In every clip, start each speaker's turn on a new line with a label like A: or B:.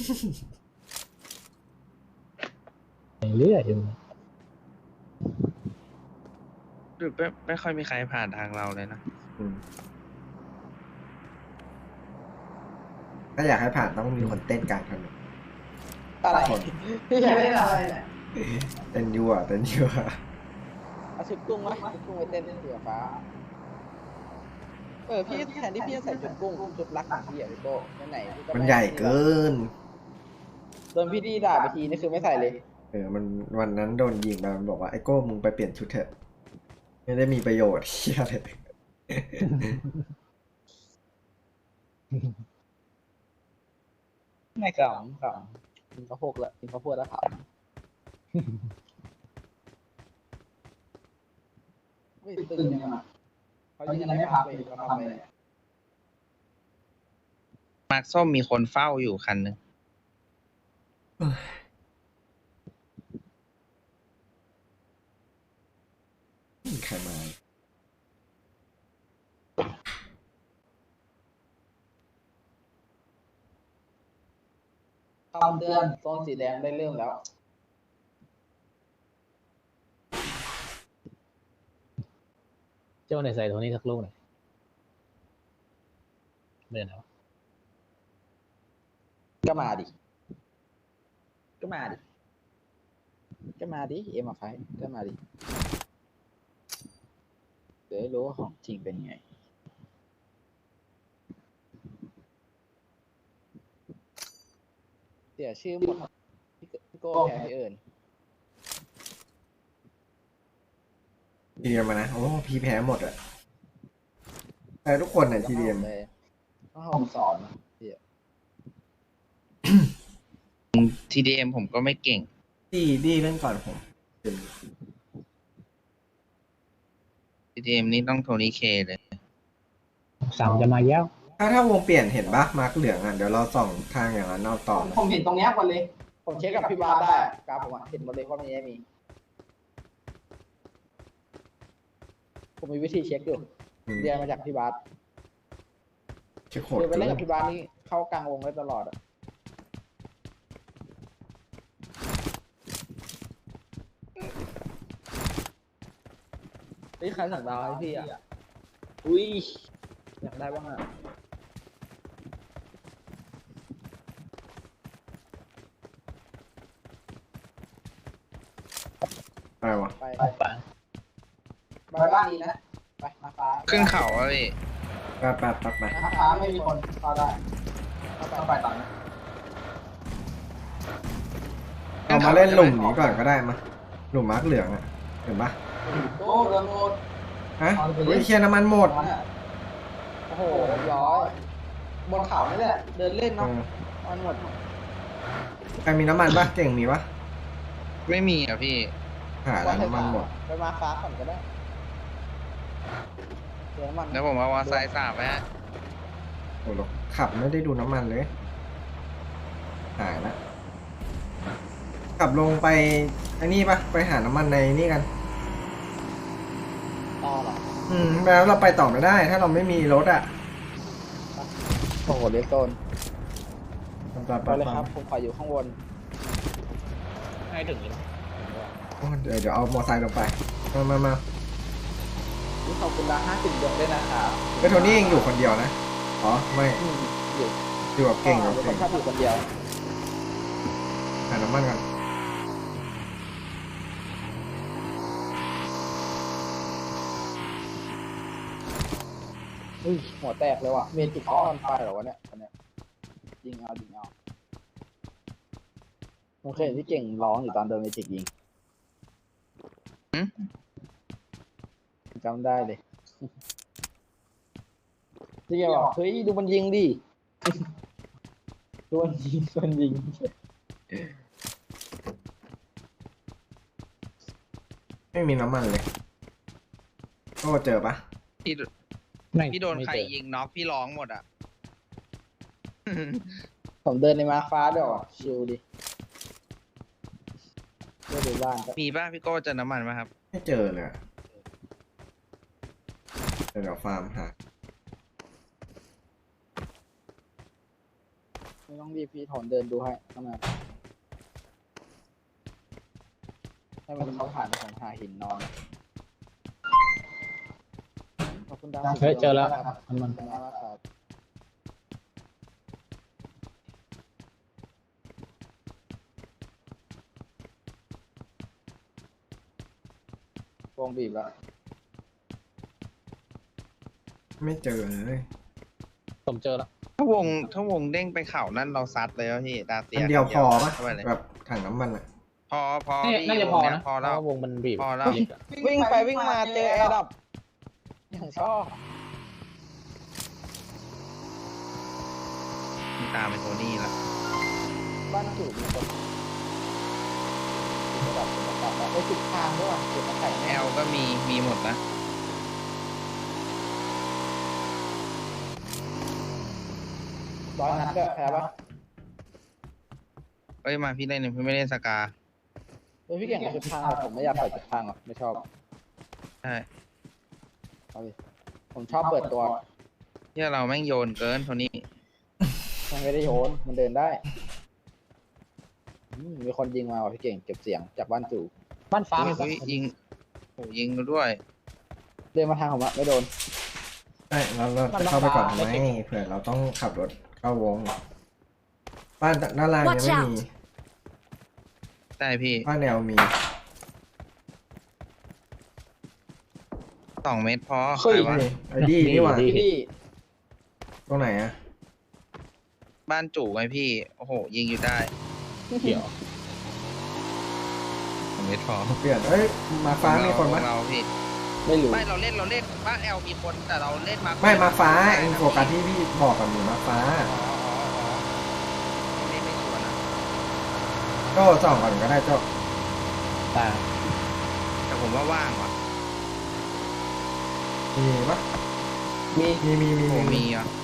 A: เรื่อยอยู่
B: หรือไม่ค่อยมีใครผ่านทางเราเลยนะ
C: ถ้าอยากให้ผ่านต้องมีคนเต้นกลางถนน
D: อะไรพี่อยากได้อะไรเนี่ย
C: เต้นยั่วเต้นยั่ว
D: เอาชุดกุ้งไหมชุดกุ้งไปเต้นเสือฟ้าพี่แทนที่พี่จะใส่ชุดกุ้งชุดรักของพี่อะพี่โก้ไหนๆพี่ก็
C: มันใหญ่เกิน
D: โดนพี่ดีด่าไปทีนี่คือไม่ใส่เลย
C: มันวันนั้นโดนยิงไปมันบอกว่าไอ้โก้มึงไปเปลี่ยนชุดเถอะไม่ได้มีประโยชน์เฮียเลย
D: ไม่ขำกินข้าวโพดแล้วกินข้าวโพดแล้วขำไม่ตึงยังไงเขายิงกันไม่พักเลยเขาทำเลย
B: มาร์คส้มมีคนเฝ้าอยู่คันหนึ่ง
C: มีใครมา
D: คำเตือนโซนสีแดงได้เริ่มแล้ว
A: เจ้าไหนใส่ตัวนี้สักลูกหน่อยเดินเอา
D: ก็มาดิเอ็มไฟก็มาดิเดี๋ยวให้รู้ว่าของจริงเป็นไงเสียชื่อหมดพี่โก้แพ้พี่เอิญ
C: ทีเดียมมานะโอ้พี่แพ้หมดอ่ะแต่ทุกคนเนี่ยทีเดียม
D: เลยต้องให้ผมสอนนะพี่
B: TDM ผมก็ไม่เก่ง
C: ดีเล่นก่อนผม
B: TDM นี่ต้องโทนี่เคเลย
A: สั่งจะมาแย้ว
C: ถ้าวงเปลี่ยนเห็นปะมาร์กเหลืองอ่ะเดี๋ยวเราส่องทางอย่างนั้นนอกต่อ
D: ผมเห็นตรงเนี้ยหมดเลยผมเช็คกับพี่บาสได้กราฟผมเห็นหมดเลยว่ามันยังมีผมมีวิธีเช็คอยู่เรียนมาจากพี่บาส
C: เช็คโหด
D: เรียนไป
C: เกิ
D: เล่น
C: น
D: กับพี่บาสนี่เข้ากลางวงได้ตลอดอ่ะนี่ใครสั่งดาวให้พี่อ่ะอุ้ยอยากได้บ้างอ่ะ
C: อะไรวะ
D: ไป
A: ปัง
D: บ้านนี้นะไปมาฟ้า
B: ขึ้นเขาอะพี่
C: ไป
D: มาฟ้าไม่มีคนเข้าได้เข้าไปต่อนะ
C: เรามาเล่นหลุมนี้ก่อนก็ได้มาหลุมมาร์กเหลืองอ่ะเห็นปะ
D: โอ้เรือโมด
C: ฮะวิเชียน้ำมันหมด
D: โอ้โหร้อยบนเขานี่แหละเดินเล่นเนาะมันหมด
C: ใครมีน้ำมันปะเก่งมีปะ
B: ไม่มีอ่ะพี่
C: หาแล้วน้ำมันหมด
D: ไปมาฟ้าก่อนก็ได้เดี๋ยวมัน
B: แล้วผมเอาวาไซค์สาบไว้ฮะ
C: โอ้โหขับไม่ได้ดูน้ำมันเลยหายละขับลงไปไอ้นี่ปะไปหาน้ำมันในนี่กัน
D: ต่อหรอ
C: แล้วเราไปต่อไม่ได้ ถ้าเราไม่มีรถอ่ะ
D: โอ้โหเลสโซน
C: ไป
D: ไปเลยครับผมขออยู่ข้างบน
A: ให้ถึงเลย
C: เดี๋ยวเอามอไซค์ลงไปมา
D: นี่ขอบคุณละ50 ดวงด้วยนะครับ
C: ไอ้โทนี่เองอยู่คนเดียวนะอ๋อไม่
D: อยู่
C: อยู่กับเก่งกับ
D: ผ
C: เก่
D: ม
C: ง
D: ชอบอยู่คนเดียว
C: หาน้ำมันกัน
D: หัวแตกเลยว่ะเมจิกเขาออนไฟเหรอวะเนี่ยอันเนี้ยยิงเอาผมเคยเห็นที่เก่งร้องอยู่ตอนโดนเมจิกยิงจำได้เลยที่แกบอกเฮ้ยดูมันยิงดิ ดูมันยิง
C: ไม่มีน้ำมันเลยก็เจอปะ
B: พี่โดนใครยิงน็อกพี่ร้องหมดอ่ะ
D: ผมเดินในมาฟ้าด้วยว่ะชิลดิเพื่อดูบ้านก็
B: มีป่ะพี่โก้เจอน้ำมันไหมครับ
C: ไม่เจอเลยอะเดี๋ยวฟาร์มหา
D: มไม่ต้องรีบพี่ถอนเดินดูให้ข้างหน้าให้มันเขาผ่านของหาหินนอนขอบคุณดาว
A: เฮ้ยเจอแล้ว
D: ครับ
A: มัน
D: ขอบคุณมากครับวงบีบแล้ว
C: ไม่เจอเลย
A: ผมเจอแล้ว
B: ถ้าวงเด้งไปเข่านั่นเราซัดเลยแล้วพี่ดาเซีย
C: อันเดียวพอปะ
B: เข้าไปเลย
C: แบบถังน้ำมันอะ
B: พอ
A: นี่
B: พี่
A: น่าจะพอ
B: วงเย
A: นะ
B: พอแล้ว
A: เพราะาวงมันบีบ
B: พอแล้ว
A: บีบอะ
D: วิ่งไปวิ่งมาเจอแอร์ดับอย่างชอบ
B: มีตามไปโทนี่แล้ว
D: บ้านจู่มีคนระดับแล้วไปจุดทางด้วยว่ะจุดมาไข่
B: แอ
D: แน่
B: ลก็มีหมดนะ
D: 100 นัดด้วยแพ้ปะ
B: เอ้ยมาพี่เล่นพี่ไม่เล่นสกา
D: เฮ้ยพี่เก่งกับจุดทางอะผมไม่อยากใส่จุดทางหรอกไม่ชอบ
B: ใช่
D: เอาดิผมชอบเปิดตัว
B: ที่เราแม่งโยนเกินโทนี่
D: มันไม่ได้โยนมันเดินได้มีคนยิงมาว่ะพี่เก่งเก็บเสียงจากบ้านจู่
A: บ้านฟ้ามีปะ
B: อุ๊ยยิงโหยิงด้วย
D: เดินมาทางผมอะไม่โดน
C: ใช่เราจะเข้าไปก่อนทำไมเผื่อเราต้องขับรถเข้าวง บ้านด้านล่างยังไม่มี
B: ใช่พี่
C: บ้านแนวมี
B: 2 เมตรพอ
D: เฮ้ย
B: ใครวะ
C: นี่ไอ้ดีนี่หว่า
D: พี่
C: ตรงไหนอะ
B: บ้านจู่ไงพี่ โอ้โห ยิงอยู่ได้
A: เกี่ยว
B: 2 เมตรพอ
C: เปลี่ยนเอ้ยมาฟ้ามีคน
B: ข
C: ปะ
B: องเราพี่
D: ไม่รู้
B: ไม่เราเล่นบ้านแอลมีคนแต่เราเล่นมา
C: ไม่มาฟ้าเอ็นโฟกัสที่พี่บอกกับหนูมาฟ้า
B: เล่นไม่ชวนนะ
C: ก็ส่องก่อนก็ได้เจ้า
A: ตา
B: แต่ผมว่าว่างว่ะ
C: มีปะ
D: มี
C: มี
B: โอ้มีอ่ะ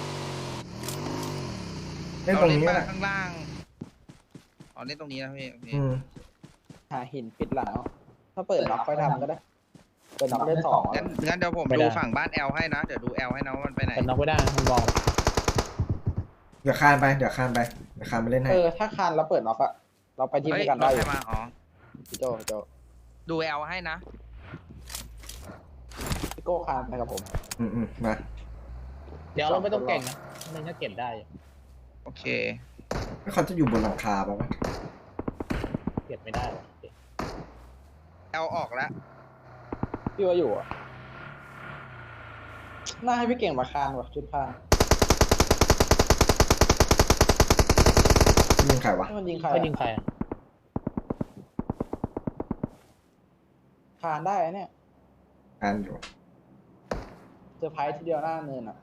C: เล่น
B: เรา
C: ตรง
B: เล่น
C: นี้
B: บ้า
C: แห
B: น
C: ละ
B: ข้างล่างอ๋อเล่นตรงนี้นะพี่โอเค
D: หาหินปิดหลังเอาถ้าเปิดน็อกค่อยทำก็ได้เปิดน็อกเล่นสอง
B: งั้นเดี๋ยวผมดูฝั่งบ้านแอลให้นะ เดี๋ยวดูแอลให้นะว่ามันไปไหน
A: เป็นน็อกไม่ได้นะมันบอก
C: เดี๋ยวคานไปเดี๋ยวคานไปเล่นให้
D: ถ้าคานแล้วเปิดน็อกอะเราไปทีม
B: เฮ้
D: ด้
B: ย
D: วยกัน
B: ร
D: ได้
B: ถ
D: อ
B: ใคร
D: ยู่
B: มาอ๋อ
D: พี่โจพี่โจ
B: ดูแอลให้นะ
D: พี่โก้คานไปกับผม
C: มา
A: เดี๋ยวเราไม่ต้องเก่งนะมันก็เก็บได้อยู่
B: โอเค
C: แล้วเขาจะอยู่บนหลังคาปะวะ
A: เก็บไม่ได้หรอก
B: แอลออกแล้ว
D: พี่ว่าอยู่อะน่าให้พี่เก่งมาคานว่ะชุดพาง
C: ยิงใครวะ
D: ให้มันยิงใคร
A: ไม่ยิงใครอะ
D: คานได้อะเนี่ย
C: คานอยู่
D: เซอร์ไพรส์ทีเดียวหน้าเนินอะ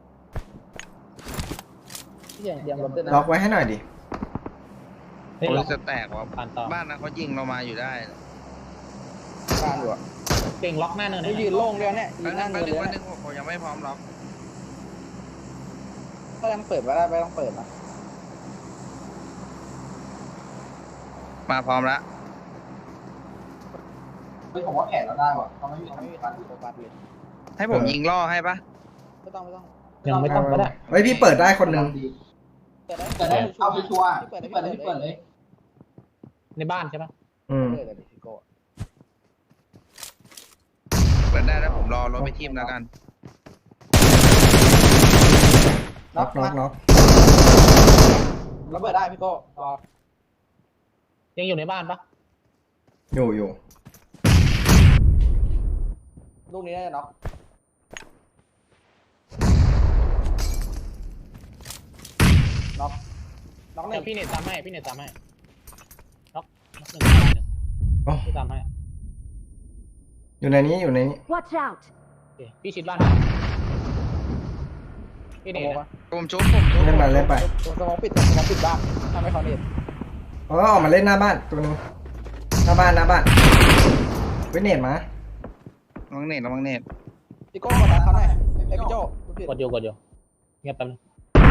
D: พี่เก่งเตรียมรถด้วยนะ
C: ล็อกไว้ให้หน่อยดิ
A: เฮ้ย
B: โอ้
A: เรา
B: ยจะแตกว่ะ
A: ผ่านต่อ
B: บ้านนั้นเขายิงเรามาอยู่ได้
D: คานอยู่อะ
A: เก่งล็อกหน้าเนิน
D: เขายืนโล่งด้วยเนี่ยยื
B: แป๊บ
D: นห
B: นึ
D: น้าง เนิ
B: แป๊บ
D: น
B: นึ
D: เล
B: ง
D: ย
B: แป๊บนึ
D: เนี่ย
B: งผมยังไม่พร้อมล็อก
D: ถ้ายังเปิดไม่ได้ไม่ต้องเปิดนะ
B: มาพร้อมแล้ว
D: เฮ้ยผมว่าแผนเราได้ว่ะเขาไม่มีการโฟกัสเลย
B: ให้ผมยิงล่อให้ปะ
D: ไม่ต้องไม่ต้อง
A: ยังไม่ต้องก็ได้
C: เฮ้ยพี่เปิดได้คนหนึ่ง
D: เปิดได้เอาไปชัวร์เปิดเลย
A: ในบ้านใช่ปะ
D: เปิดเลยพี่โก้
B: เปิดได้แล้วผมรอรถไปทีมแล้วกัน
C: ล็อก
D: แล้วเปิดได้พี่โก้รอ
A: ยังอยู่ในบ้านปะ
C: อยู่
D: ลูกนี้ได้น็อกน็อกห
A: เดี๋
D: นึ่
A: ยว
D: ง
A: พี่เน็ตตามให้พี่เน็ตตามให้น็อกหนึ่งตามหนึ่ง
C: โอ้
A: พี่ตามให้
C: อยู่ในนี้
E: Watch out!
A: โอเคพี่ชิดบ้านพี่เน็ตนะ
B: ผมชุบ
C: เล่นไป
D: สมองปิดบ้านทำให้เขาเน็ต
C: ออกมาเล่นหน้าบ้านตัวนึงหน้าบ้านเว้ยเน็ตมา
B: ระวังเน็ตระวังเน็ต
D: พี่โก้กดดันเขาหน่อยไอพี่โจ้
A: กดอยู่เงียบแป๊บนึง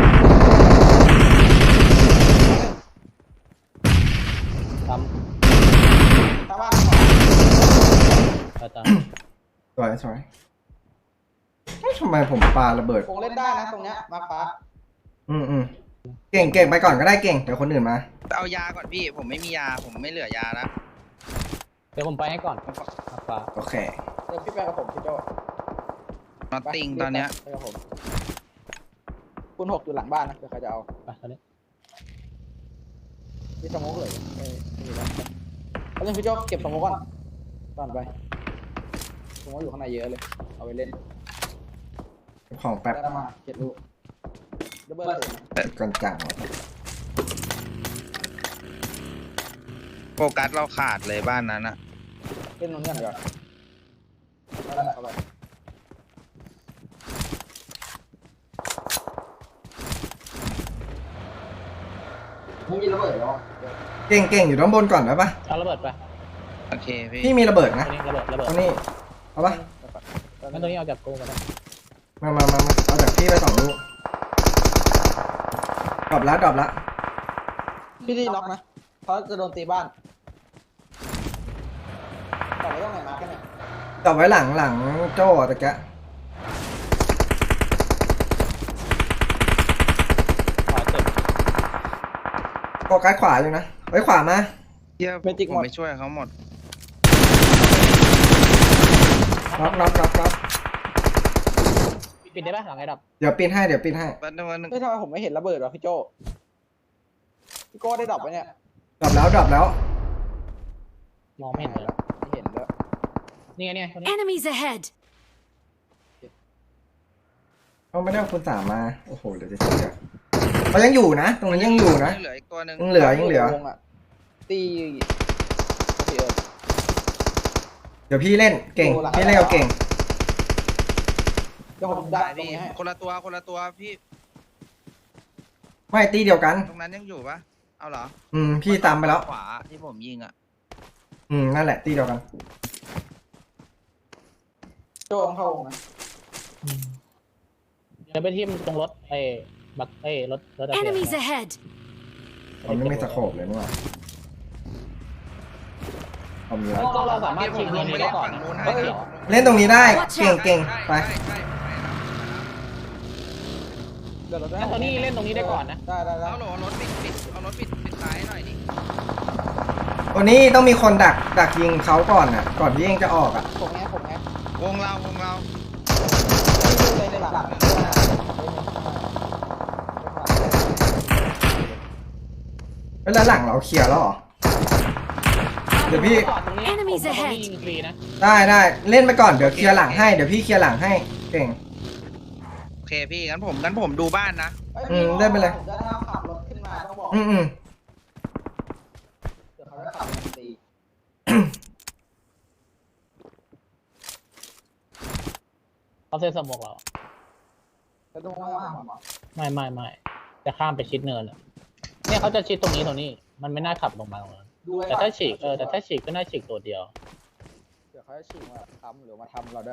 A: ตาม
D: ตามบ้าน
A: ตาม
C: สวยเฮ้ยทำไมผมปาระเบิด
D: คงเล่นได้นะตรงเนี้ยมาฟ้า
C: อืมเก่งเก่งไปก่อนก็ได้เก่งเดี๋ยวคนอื่นมา
B: เอายาก่อนพี่ผมไม่มียาผมไม่เหลือยาแล้ว
A: เดี๋ยวผมไปให้ก่อนฟ้า
C: โอเค
D: เดี๋ยวพี่ไปกับผมพี่โจ
B: นอตติงตอนเนี้ย
D: ไปกับผมคุณ6อยู่หลังบ้านนะเดี๋ยวใครจะเอา
A: ไปตอนนี้
D: พี่สโมกเลยไม่มีแล้วเอาเรื่องพี่โจเก็บสโมกก่อนไปสโมกอยู่ข้างในเยอะเลยเอาไปเล่น
C: เก็บของแป๊บ
D: ได้มา7 ลูกดับเบิลเลย
C: ก่อนจัง
B: โฟกัสเราขาดเลยบ้านนั้นอะ
D: เล่นตรงนี้หน่อยก่อนได้เข้าไปไม่มีระเบิดหรอ
C: เก่งเก่งอยู่ด้านบนก่อนได้ปะ
A: เอาระเบิดไป
B: โอเคพี่
C: พี่มีระเบิด
A: ตร
C: นะ
A: งนี้ระเบิด
C: ตรงนี้เอาปะ
A: งั้นตรงนี้เอาจากกูมาแล้ว
C: มาเอาจากพี่ไป2 ลูกดรอปละ
D: พี่ดีล็อกนะเขาจะโดนตีบ้านต่อไปต้องไหนมาแค่ไหน
C: ดรอปไว้หลังโจ้ตะแกะ
A: ขวาเจ็บ
C: โฟกัสขวาอยู่นะไว้ขวามา
B: เยี่ยผมไปช่วยเขาหมด
C: น็อก
A: ปิดได้ปะหลังไอ้ดับ
C: เดี๋ยวปีนให้
B: วันหนึ่งวันหนึ่ง
D: เฮ้ยทำไมผมไม่เห็นระเบิดวะพี่โจพี่โก้ได้ดรอปไหมเนี่ย
C: ดรอปแล้ว
A: มองไม่เห็นเลย
D: ไม่เห็นด้วย
A: นี่ไงเนี่ยตรงนี้
E: Enemies ahead!
C: เขาไม่ได้เอาคุณสามมาโอ้โหเดี๋ยวจะเชื่อเขายังอยู่นะตรงนี้ยังอยู่นะ
B: เหลืออีกตัวหนึ่ง
C: ยังเหลือ
D: วงอะตีโอเค
C: เดี๋ยวพี่เล่นเก่งพี่เล่นเอาเก่ง
D: เดี๋ยวผม
B: ได้
D: ดักตรง
B: พี่
D: นี้ให้
B: คนละตัวพี่
C: ไม่ตีเดียวกัน
B: ตรงนั้นยังอยู่ปะเอาเหรอ
C: พี่ตามไปแล้ว
B: ขวาที่ผมยิงอะ
C: นั่นแหละตีเดียวกัน
D: โจต้องเข้าวงนะ
A: เดี๋ยวไปที่ตรงรถบักรถอะไร
E: Enemies ahead!
C: ผมไม่มีสโคปเลยนี่หว่าเอามีแล้ว
A: ก็เราสามารถชิง
B: ล
A: ตรง
B: งไป
A: นี้ได้
B: เล่น
A: ก่อน
B: ฝั่งนู้นให้
A: เฮ้ย
B: พี่
C: เล่นตรงนี้ได้เก่งไป
B: ใช่
D: เดี๋ยวเราได้
A: งั้นตอนนี้เล่นตรงนี้ได้ก่อนนะ
D: ได้
B: เอาโหลรถปิดเอารถปิดซ้ายหน่อยดิ
C: ตัวนี้ต้องมีคนดักยิงเขาก่อนอ่ะก่อนที่เองจะออกอ่ะ
D: ผมไง
B: วงเรา
D: เลยในหลัง
C: แล้วหลังเราเคลียร์แล้วเหรอเดี๋ยวพี่
A: ตรงนี้
E: Enemies
A: ผม
E: ahead
A: ยิงฟรีนะ
C: ได้เล่นไปก่อนเดี๋ยวเคลียร์หลังให้เดี๋ยวพี่เคลียร์หลังให้เก่ง
B: โอเคพี่งั้นผมดูบ้านนะ
C: ได้ไปเลย
D: ผมจะขับรถขึ้นมาต้องบอก เดี๋ยวเขาจะขับมันตี
A: เขาเซ็นสมกเรา
D: จะต้องว่าผมอ่ะ
A: ไม่จะข้ามไปชิดเนินอะเนี่ยเขาจะชิดตรงนี้ มันไม่น่าขับลงมาตรงนั้น
D: ดูไว้
A: แต่ถ้าฉีกแต่ถ้าฉีกก็น่าฉีกตัวเดียว
D: เดี๋ยวเขาจะฉีกมาทำหรือมาทำเราด้วย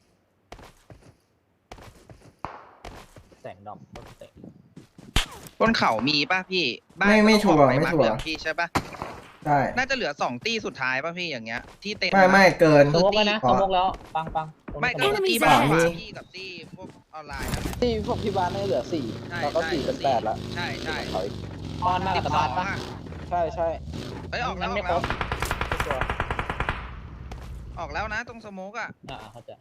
A: แสงดำรถเตะ
B: บนเขามีป่ะพี่บ้าน
C: ไม่ชัวร์
B: ต้องออกป
C: ไม่ชัวร์
B: าร์คเหลืองพี่ใช่ป่ะ
C: ได้
B: น่าจะเหลือ2 ตี้สุดท้ายป่ะพี่อย่างเงี้ยที่เต็ม
C: ไม่เกิน
A: สมกแล้วนะสมกแล้วปังตรง
B: ไม่
A: นี้
B: ก็
A: ตรง
B: ตี
A: นี้
B: บ้าน
E: Enemies
B: ขวา
C: ahead
B: พี่กับตี้พวกออนไลน์นั่นแหละ
D: ที่พวกที่บ้านนี่เหลือ
B: ใช่
D: 4แล้วก็4เป็น8แล้ว
B: ใช่
D: เขาอีก
A: ตอนหน้า
B: สิ
A: กั
B: บบ ส
A: บ้า
B: อน ง
A: ปะ
B: อ่ะ
D: ใช่
B: เฮ้ยออกแล้ว
A: ไม่ครบ
B: ออกแล้วนะตรงสโมกอ่ะ
A: เข้าใจ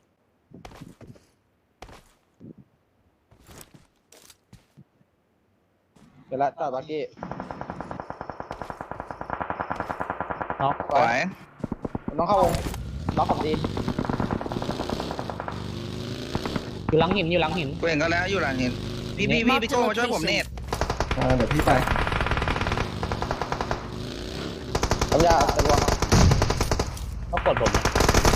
D: เดี๋ยวละต่อบักกี้
A: น็อก
B: สวย
D: ผมต้องเข้าวงล็อกผมดี
A: อยู่หลังหิน
B: กูเห็นก็แล้วอยู่หลังเห็นพี่โจมาช่วยผมเนต
C: เดี๋ยวพี่ไป
D: ทำยาตะลวง
A: เขากดผมนะ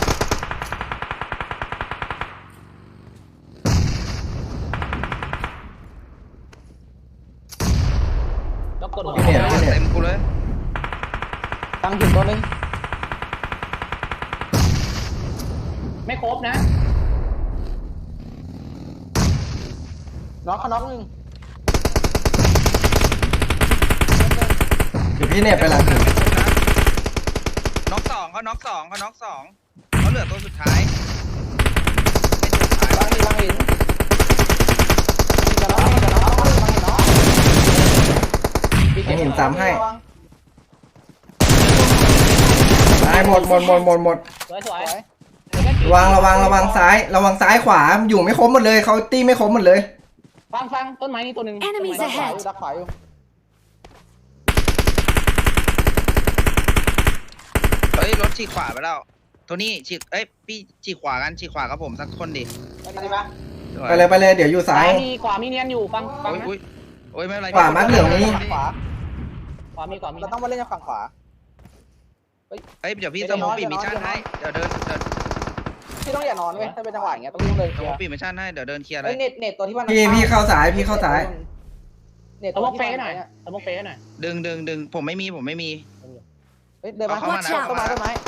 A: แล้วกดผม
C: พี่เนี่ย
B: เต็มกูเลย
D: ตั้งหินตัวนึง
A: ไม่ครบนะ
D: น็อกเขาน็อกนึง
C: เดี๋ยวพี่เนี่ยไปหลังถึง
B: น็อกสองเขาน็อกสองเขาเหลือตัวสุดท้าย
D: ตั้งหินจะน็อกจะน็อกจะน็อก
C: ให้หินซ้ำให้ ตายหมด
A: สวย
D: สวย
C: ระวังซ้าย ระวังซ้ายขวา อยู่ไม่ครบหมดเลย เขาตีไม่ครบหมดเลย
A: ฟังต้นไม้นี่ตัวหนึ่ง
E: Enemies
D: ดักขวา
E: ahead
D: อยู่ดักขวาอยู่
B: เฮ้ยรถฉีกขวาไปแล้วโทนี่ฉีกพี่ฉีกขวากันฉีกขวากับผมสักคนดิ
D: ไปไหนปะ
C: ไปเลย เดี๋ยวอยู่ซ้าย
A: มีขวามีเนียนอยู่ฟัง
B: โอ้ย
A: นะ
B: โอ้ยไม่เป็นไร
C: ขวามัดเหลืองนี้
D: ขวา
A: ขวามี
D: เราต้องมาเล่นจากฝั่งขวา
B: เฮ้ยเดี๋ยวพี่สมองปีมิชชั่นให้เดี๋ยวเดิน
D: พี่ต้องอย่านอนเว้ยถ้าเป็นจังหวะอย่างเงี้ยต้องเล่นเลย
B: ส
D: เคลี
B: ม
D: ย
B: อง
D: ร์
B: ปีมิชชั่นให้เดี๋ยวเดินเคลียร์เล
D: เฮ้
B: ย
D: ยเน็ตตัวที่มัน
C: พี่เข้าซ้าย
D: เน็ต
A: ส
D: ตัว
A: มอง
D: ที่
A: เฟ
D: มัน
A: ให้หน่อยสมองเฟให้หน่อย
B: ดึงผมไม่มี
D: เฮ้ยเดินมา
B: เอาเข้ามานะ
D: ต้นไม้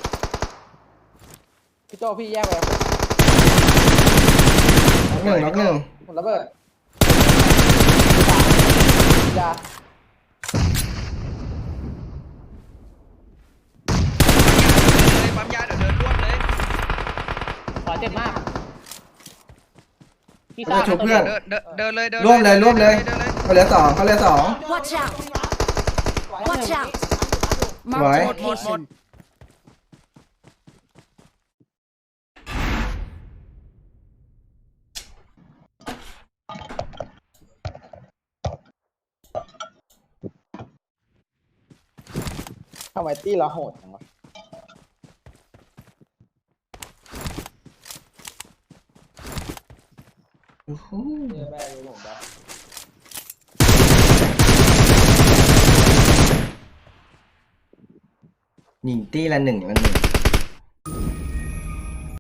D: พี่โจพี่แยกไป
C: น็อกหนึ่ง
D: ผมระเบิดยา
B: ปั๊มยาเดี๋ยวเดินรวบเลย
A: ขวาเจ็บมากพี่
C: เขาจะชุบเพื่อน
B: เดินเลย
C: ร่วมเลยเขาเหลือสอง
E: Watch out! Watch out!
C: Right.
E: Marked a location.
D: ทำไมตี้เราโหดจังวะ
C: โอ้โห
D: แม่ดูผมแบบ
C: ยิงตีละหนึ่ง